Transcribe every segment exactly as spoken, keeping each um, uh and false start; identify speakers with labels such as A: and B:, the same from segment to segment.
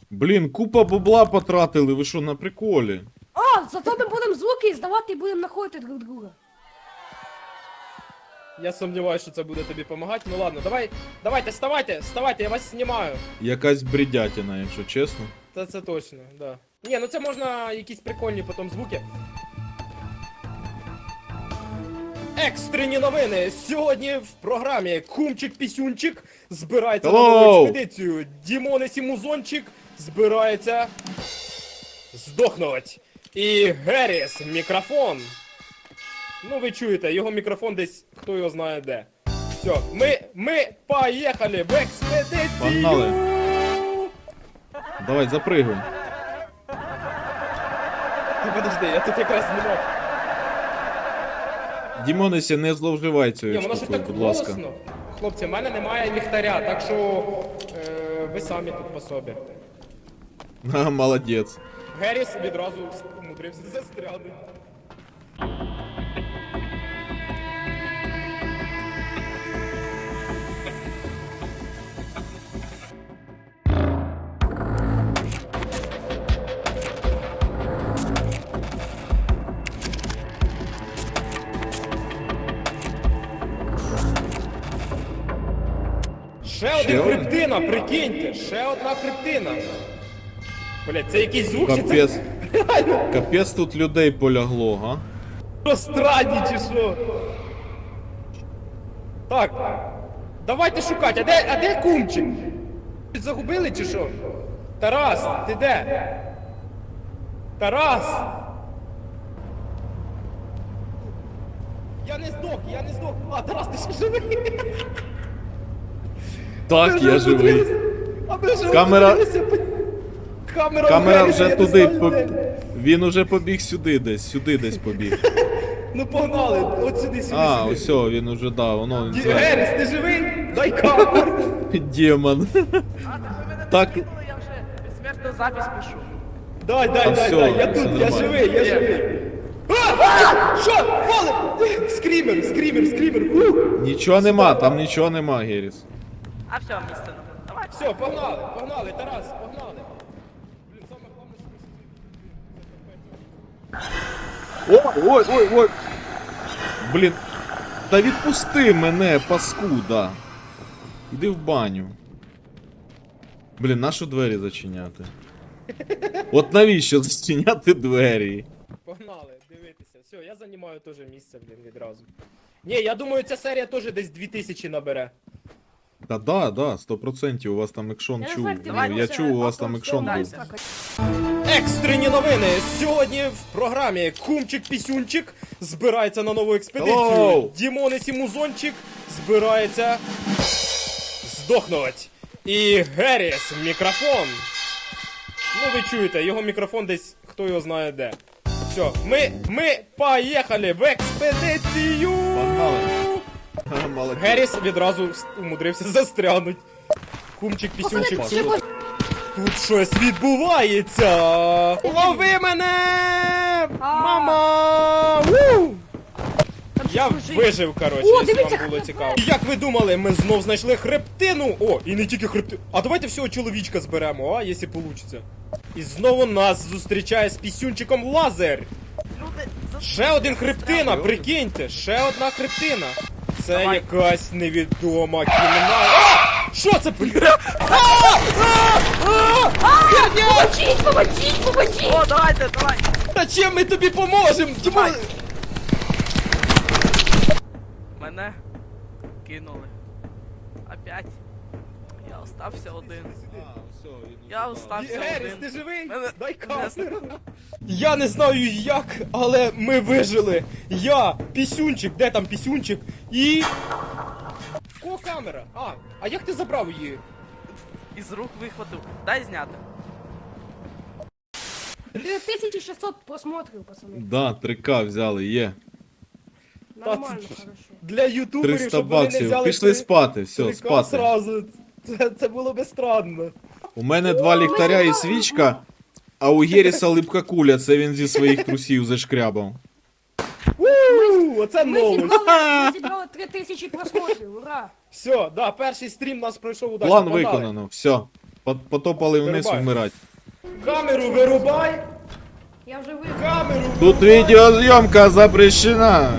A: Блін, купа бабла потратили, ви що, на приколі?
B: А, зато ми будемо звуки здавати і будемо знаходити друг друга.
C: Я сумніваюся, що це буде тобі допомагати. Ну ладно, давай, давайте, вставайте, вставайте, я вас знімаю.
A: Якась бредятина, якщо чесно.
C: Та це точно, да. Ні, ну це можна якісь прикольні потім звуки. Екстрені новини! Сьогодні в програмі Кумчик-Пісюнчик збирається на
A: Hello!
C: нову експедицію. Дімонес і Музончик збирається здохнуть. І Геріс, мікрофон. Ну ви чуєте, його мікрофон десь, хто його знає де. Все, ми, ми поїхали в експедицію!
A: Погнали. Давай, запригуй.
C: Ти подожди, я тут якраз знімав.
A: Дімонесі, не зловживай
C: Ні,
A: цією
C: воно щось
A: штукою,
C: так
A: будь ласка.
C: голосно. Хлопці, в мене немає ліхтаря, так що е, ви самі тут по собі.
A: А, молодець.
C: Геріс відразу умудрився застрягнути. Ще один
A: один?
C: хребтина, прикиньте, ще одна хребтина. Блять, це якийсь звук чи
A: Капець.
C: це реально
A: Капець тут людей полягло, га?
C: розстрадні чи що? Так, давайте шукати, а де, а де кумчик? Загубили чи що? Тарас, ти де? Тарас! Я не здох, я не здох. А, Тарас, ти ще живий?
A: Так, я живий.
C: А ми вже
A: Камера-
C: умудрилися по- Камера,
A: Камера
C: Геріса,
A: вже
C: я не
A: туди,
C: знаю,
A: по...
C: де.
A: він уже побіг сюди десь, сюди десь побіг.
C: Ну погнали, от сюди, сюди,
A: А,
C: сюди.
A: ось о, він уже, да, воно він
C: Ді-
A: зверху.
C: Геріс, ти живий? Дай камеру.
A: Демон.
D: А, так ви мене
A: Так.
D: не кинули, я вже безсмертну запись пишу.
C: Дай, дай,
A: Та
C: дай,
A: всьо,
C: дай, я
A: все
C: тут, я
A: нормально.
C: живий, я живий. А, а, що? Валим! Скрімер, скрімер, скрімер. Ух.
A: Нічого нема, там нічого нема, Геріс.
D: А все, місце нам. Давай.
C: Все, погнали, погнали, Тарас, погнали. Блін, саме головне, що ми
A: Ой, ой, ой, ой. Блін. Та відпусти мене, паскуда. Іди в баню. Блін, нащо двері зачиняти? От навіщо зачиняти двері?
C: Погнали, дивитися. Все, я займаю теж місце, блін, відразу. Ні, я думаю, ця серія теж десь дві тисячі набере.
A: Та да, да, сто процентів у вас там екшон
B: Я не
A: чув.
B: знаю, ти
A: Ну, я
B: вибачте,
A: чув, у вас
B: а
A: там
B: то
A: екшон
B: все,
A: був.
B: дай,
C: Екстрені новини! Сьогодні в програмі Кумчик-Пісюнчик збирається на нову експедицію.
A: Hello!
C: Дімонес і Музончик збирається здохнуть. І Геріс, мікрофон. Ну ви чуєте, його мікрофон десь, хто його знає де. Все, ми, ми поїхали в експедицію!
A: Погнали. Ха, молодець.
C: Геріс відразу умудрився застрягнуть. Кумчик-Пісюнчик.
B: Пацани, ще
C: Тут щось відбувається! Лови мене! Мама! Ву! Я вижив, коротше,
B: О,
C: якщо
B: дивіться,
C: вам було
B: хто
C: цікаво. І як ви думали, ми знов знайшли хребтину? О, і не тільки хребтину. А давайте всього чоловічка зберемо, а, якщо вийде. І знову нас зустрічає з пісюнчиком лазер.
D: Люди, за...
C: Ще один хребтина, прикиньте, ще одна хребтина. Це
D: Давай.
C: якась невідома кімната. А! Що це, бля? А! А! А! Херня!
B: Помочіть, помочіть, помочіть!
D: О, давайте, давай.
C: Та чим ми тобі поможемо?
D: Давай. Мене кинули. Опять. Я остався один. Я остався
C: Геріс,
D: один.
C: ти живий?
D: Мене-
C: Дай
D: мене-
C: камеру. Я не знаю як, але ми вижили. Я, пісюнчик, де там пісюнчик? І... Кого камера? А, а як ти забрав її?
D: Із рук вихватив. Дай зняти.
B: дві тисячі шістсот просмотрів, пацани.
A: Да, три ка взяли, є.
B: Нормально,
C: Та-
B: хорошо.
C: Для ютуберів,
A: триста
C: щоб вони не
A: баксів.
C: взяли
A: Пішли
C: три-
A: спати, все,
C: три К
A: спати.
C: Сразу. Це, це було би странно.
A: У мене два ліхтаря і свічка, а у Геріса липка куля, це він зі своїх трусів зашкрябав.
C: Ууу, оце
B: Ми
C: новость.
B: зібрали, ми зібрали три тисячі просмотрів, ура!
C: Все, да, перший стрім нас пройшов удачно.
A: План
C: погнали.
A: виконано, все. По- Потопали вниз
C: Вирубай.
A: вмирать.
C: Камеру вирубай!
B: Я вже вийшов.
C: Камеру
A: Тут
C: вирубай!
A: відеозйомка запрещена.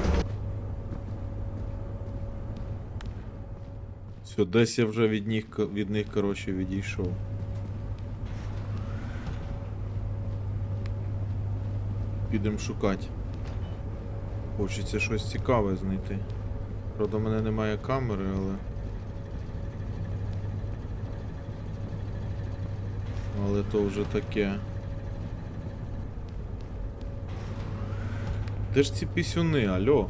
A: Все, десь я вже від них, від них коротше, відійшов. Підемо шукати. Хочеться щось цікаве знайти. Правда, в мене немає камери, але... Але то вже таке. Де ж ці пісюни, алло?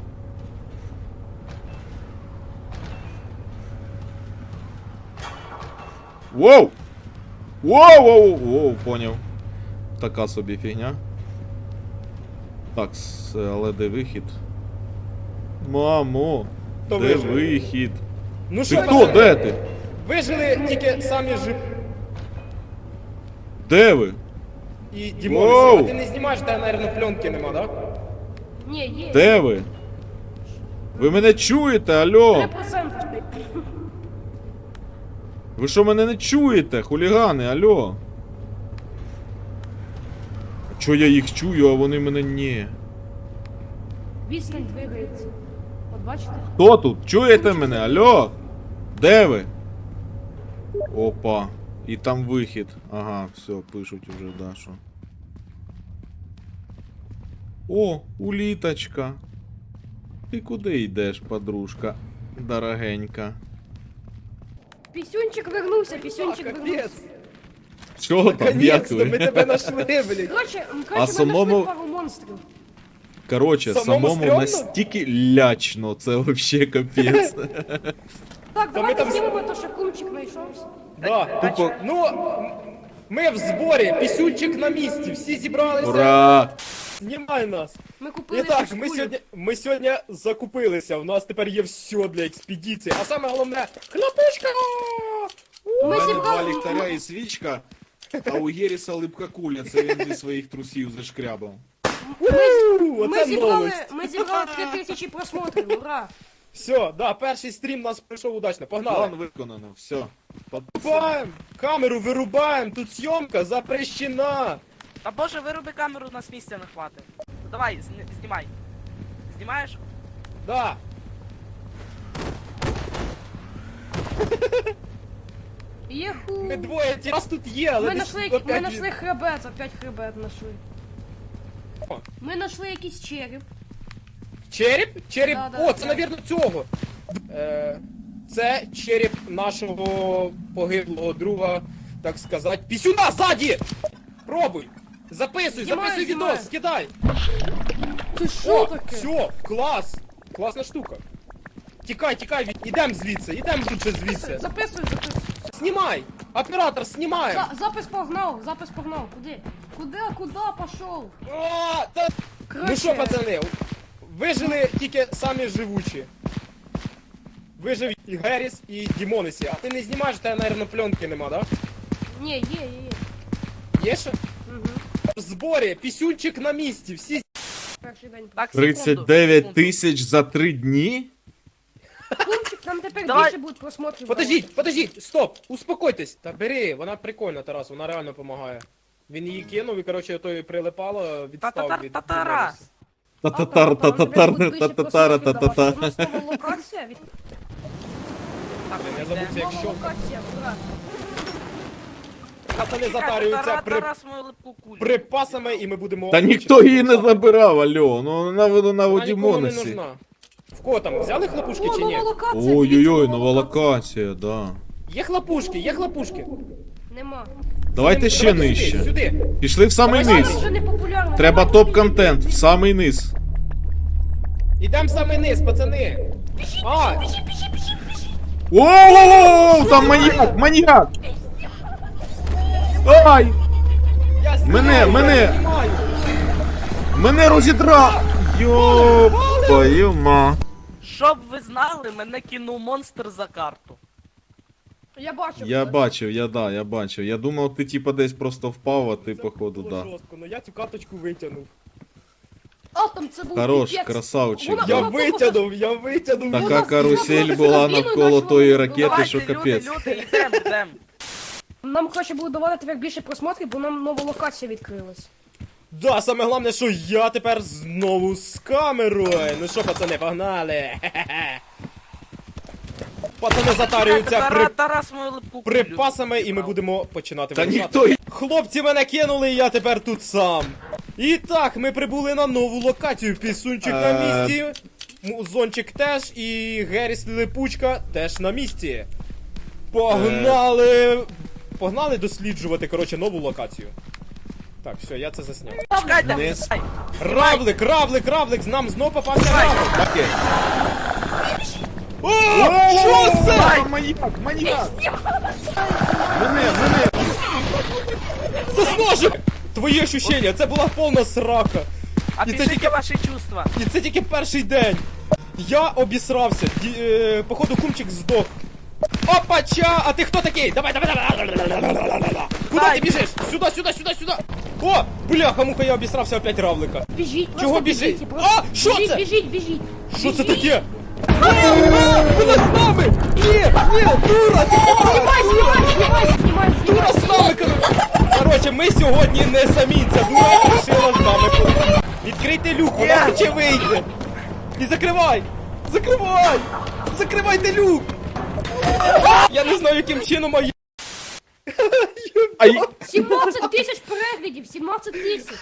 A: Воу! Воу, воу, воу, поняв. Така собі фігня. Так, с- але де вихід? Мамо!
C: Хто
A: Де
C: вижив?
A: вихід?
C: Ну
A: Ти
C: що,
A: хто?
C: пацани,
A: Де ти?
C: Вижили тільки самі жив...
A: Де ви?
C: І Дімон,
A: Воу!
C: а ти не знімаєш, та, наверное, пленки нема, да?
B: Ні, є.
A: Де ви? Ви мене чуєте, алло?
B: три відсотки.
A: Ви що мене не чуєте, хулігани, алло? А чо я їх чую, а вони мене ні?
B: Відстань двигається. От бачите?
A: Хто тут? Чуєте мене, алло? Де ви? Опа. І там вихід. Ага, все, пишуть уже, да, що. О, уліточка. Ти куди йдеш, подружка? Дорогенька.
B: Пісюнчик вернувся, пісюнчик вернувся.
C: Капець!
A: Чого там, як
C: Наконец-то ми
A: ви?
C: тебе нашли, блядь!
B: Коротше, м,
A: А
B: коротше, ми
A: самому-
B: знайшли пару монстрів.
A: Короче,
C: Самому
A: самому
C: стрьомно?
A: настільки лячно, це вообще капець.
B: Так, давайте
C: там с-
B: знімемо то, що кумчик знайшовся.
C: Да.
A: Тупо-
C: Ну, м- ми в зборі, пісюнчик на місці, всі зібралися.
A: Ура!
C: Знімай нас!
B: Ми купили
C: І так,
B: якусь
C: ми
B: кулю.
C: сьогодні, ми сьогодні закупилися, у нас тепер є все для експедиції, а саме головне, хлопушка!
A: У
B: Ми
A: мене два
B: зібрали...
A: ліхтаря і свічка, а у Єріса липка куля, це він зі своїх трусів зашкрябав.
C: У,
B: Ми
C: оце
B: зібрали,
C: новость.
B: ми зібрали три тисячі просмотрів, ура!
C: Все, да, перший стрім у нас пройшов удачно, погнали.
A: План виконано, все.
C: Вирубаем! Камеру вирубаем! Тут съемка запрещена!
D: Та боже, вироби камеру, нас місця не хватить. Ну, давай, зні- знімай. Знімаєш?
C: Да!
B: Єху!
C: Ми двоє, ті- нас тут є, але
B: Ми
C: десь
B: знайшли,
C: опять
B: ми
C: він-
B: знайшли хребет, опять хребет знайшли.
C: О.
B: Ми знайшли якийсь череп.
C: Череп? Череп.
B: Да, да,
C: О,
B: да.
C: це, навірно, цього. Е, це череп нашого погиблого друга, так сказати. Пісюна ззаді! Пробуй! Записуй,
B: Знімаю,
C: записуй
B: знімаю.
C: відос, кидай!
B: Це що
C: О,
B: таке?
C: все, клас! Класна штука. Тікай, тікай, від- ідем звідси, ідем лучше звідси.
B: Записуй, записуй.
C: Знімай! Оператор, знімаємо!
B: За, запис погнав, запис погнав. Куди? Куди, куди пошов?
C: О, та... Ну що, пацани, вижили тільки самі живучі. Вижив і Геріс, і Дімонесі. А ти не знімаєш, та, наверное, пленки нема, да?
B: Ні, є, є, є.
C: Є ще?
B: Угу.
C: В зборі, пісюнчик на місці, всі...
B: Перший день.
D: Так, секунду,
A: тридцять дев'ять
D: секунду.
A: тисяч за три дні?
B: Кумчик, нам тепер
D: Давай.
B: більше будуть просмотрів.
C: Подождіть, подождіть, стоп, успокойтесь. Та бери, вона прикольна, Тарас, вона реально допомагає. Він її кинув і, коротше, той прилипало, відстав від
D: Та-та-та-та-тара.
C: Дімонесі.
A: Та-та-тар, та-та-тар, та-та-тара, та-та-та.
B: У нас нова локація. від-
D: Так,
C: Я
D: йде.
C: забув, як
B: Нова
C: що.
B: локація, ура.
C: Пацани
D: Чекай,
C: затарюються
D: Тара-
C: при...
D: Тарас мою липку кулю.
C: припасами і ми будемо...
A: Та ніхто її не забирав, алло. Ну вона вона
C: Вона
A: у
C: нікому не
A: Дімонесі.
C: нужна. В кого там, взяли хлопушки
B: О,
C: чи ні?
B: нова локація.
A: Ой-ой-ой,
B: дивіться,
A: нова локація, да.
C: Є хлопушки, є хлопушки.
B: Нема.
A: Давайте ще
C: Давайте
A: нижче.
C: Сюди, сюди.
A: Пішли в самий
C: Давай
A: низ.
B: Зараз вже не популярно.
A: Треба
B: Давай,
A: топ-контент, в самий низ.
C: Ідем в самий низ, пацани. А,
A: Оу, там маньяк, маньяк! Ай!
C: я знімаю,
A: Мене,
C: я
A: мене.
C: знімаю.
A: Мене розідрав! Йопаю ма.
D: Щоб ви знали, мене кинув монстр за карту.
B: Я бачу.
A: Я бачив, я да, я бачив. Я думав, ти типа десь просто впав, а ти
C: Це
A: походу
C: було
A: да.
C: жорстко, но я цю карточку витягнув.
B: А, там це був
A: Хорош,
B: піпець.
A: красавчик.
B: Вона-
C: Я
B: вона тупо
C: витягнув, я витягнув.
A: Така
B: Вона-
A: карусель
B: вона
A: була
B: спокійно
A: навколо
B: почала-
A: тої
B: Ну,
A: ракети,
D: Давайте,
A: що
D: люди,
A: капець.
D: люди, йдем, йдем.
B: Нам краще буде давати тепер більше просмотрів, бо нам нова локація відкрилась.
C: Да, саме головне, що я тепер знову з камерою. Ну що, пацани, погнали. Хе-хе-хе. Пацани затарюються при...
D: Тарас, Тарас мою липку кулю.
C: припасами, і ми будемо починати
A: Та
C: вирушати.
A: ніхто й-
C: Хлопці мене кинули, і я тепер тут сам. І так, ми прибули на нову локацію. Пісунчик на
A: Е.
C: місці. Музончик теж, і Геріс Липучка теж на місці. Погнали! Погнали досліджувати, коротше, нову локацію. Так, все, я це засняв.
D: Чекайте,
A: Не
D: ай,
C: Равлик, равлик, равлик, нам знов попався равлик.
A: Окей.
C: О, що це?
A: А, Маньяк, маньяк! Мене, мене!
C: Це з ножик! Твої ощущення, це була повна срака.
D: а
C: І це
D: пишіть
C: тільки-
D: ваші чувства.
C: І це тільки перший день. Я обісрався. Ді, е, походу кумчик здох. Опача! А ти хто такий? Давай, давай, давай! Куди ти біжиш? Сюди, сюди, сюди, сюди! О! Бляха, муха, я обісрався опять равлика.
B: Біжіть,
C: Чого
B: просто
C: біжить?
B: біжіть, просто
C: А, що
B: біжіть,
C: це?
B: Біжіть, біжіть.
C: Що це
B: Біжіть.
C: таке? А, а, вона з нами! Ні, ні, дура! Ти
B: Знімай, знімай, знімай, знімай,
C: дура
B: знімай.
C: з нами! коротше. Коротше, ми сьогодні не самі, ця дура вирішила з нами бути. Відкрийте люк, вона хоче вийти. І закривай! Закривай! Закривайте люк! Я не знаю, яким чином, а я...
A: Ай!
B: сімнадцять тисяч переглядів, сімнадцять тисяч.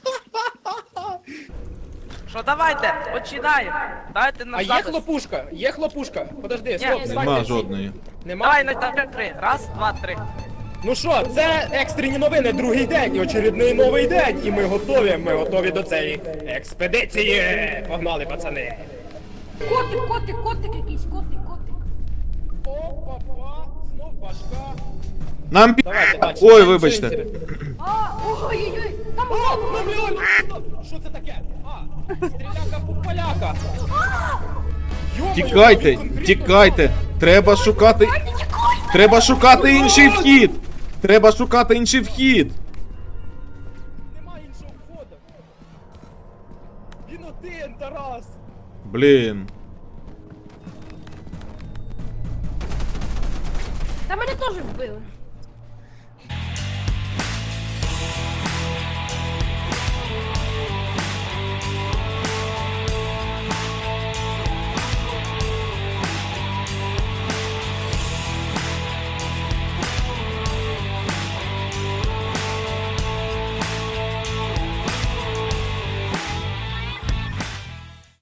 D: Що, давайте, починаємо. Давайте на
C: А є
D: запис.
C: хлопушка? Є хлопушка? Подожди,
D: Ні,
C: стоп, встаньте
A: Нема
C: всі.
A: жодної.
C: Нема?
D: Давай на на три. Раз, два, три.
C: Ну що, це екстрені новини, другий день, і очередний новий день. І ми готові, ми готові до цієї експедиції. Погнали, пацани.
B: Котик, котик, котик якийсь, котик, котик.
C: Опа-па, знов башка.
A: Нам пі...
C: Давайте, далі.
A: Ой, вибачте.
B: А, ой-ой-ой, там
C: О,
B: лава.
C: ну реально, стоп. Що це таке? А, стріляка поляка.
A: Тікайте, тікайте. Треба шукати. Треба шукати інший вхід. Треба шукати інший вхід.
C: Нема іншого входу. Він один, Тарас.
A: Блін.
B: Та мене теж вбили.